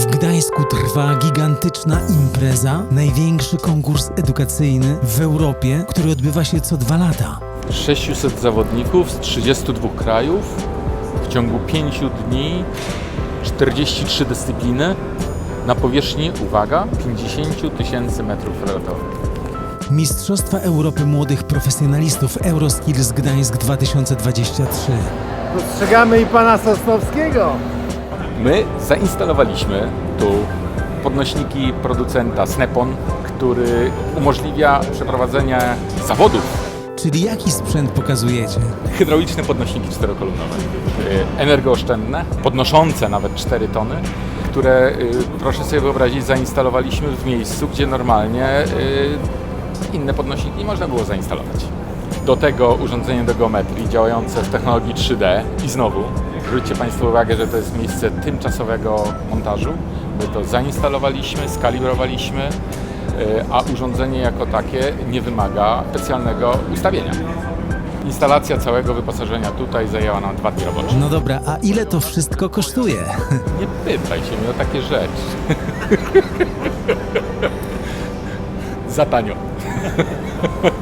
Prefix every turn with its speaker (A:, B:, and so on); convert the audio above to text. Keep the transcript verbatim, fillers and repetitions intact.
A: W Gdańsku trwa gigantyczna impreza, największy konkurs edukacyjny w Europie, który odbywa się co dwa lata.
B: sześciuset zawodników z trzydziestu dwóch krajów w ciągu pięciu dni, czterdzieści trzy dyscypliny na powierzchni, uwaga, pięćdziesiąt tysięcy metrów kwadratowych.
A: Mistrzostwa Europy Młodych Profesjonalistów Euroskills Gdańsk dwa tysiące dwadzieścia trzy.
C: Dostrzegamy i pana Sosnowskiego.
B: My zainstalowaliśmy tu podnośniki producenta Snap-on, który umożliwia przeprowadzenie zawodów.
A: Czyli jaki sprzęt pokazujecie?
B: Hydrauliczne podnośniki czterokolunowe, y, energooszczędne, podnoszące nawet cztery tony, które, y, proszę sobie wyobrazić, zainstalowaliśmy w miejscu, gdzie normalnie y, inne podnośniki nie można było zainstalować. Do tego urządzenie do geometrii działające w technologii trzy D i znowu, zwróćcie Państwo uwagę, że to jest miejsce tymczasowego montażu. My to zainstalowaliśmy, skalibrowaliśmy, a urządzenie jako takie nie wymaga specjalnego ustawienia. Instalacja całego wyposażenia tutaj zajęła nam dwa dni robocze.
A: No dobra, a ile to wszystko kosztuje?
B: Nie pytaj się mnie o takie rzeczy. Za tanio.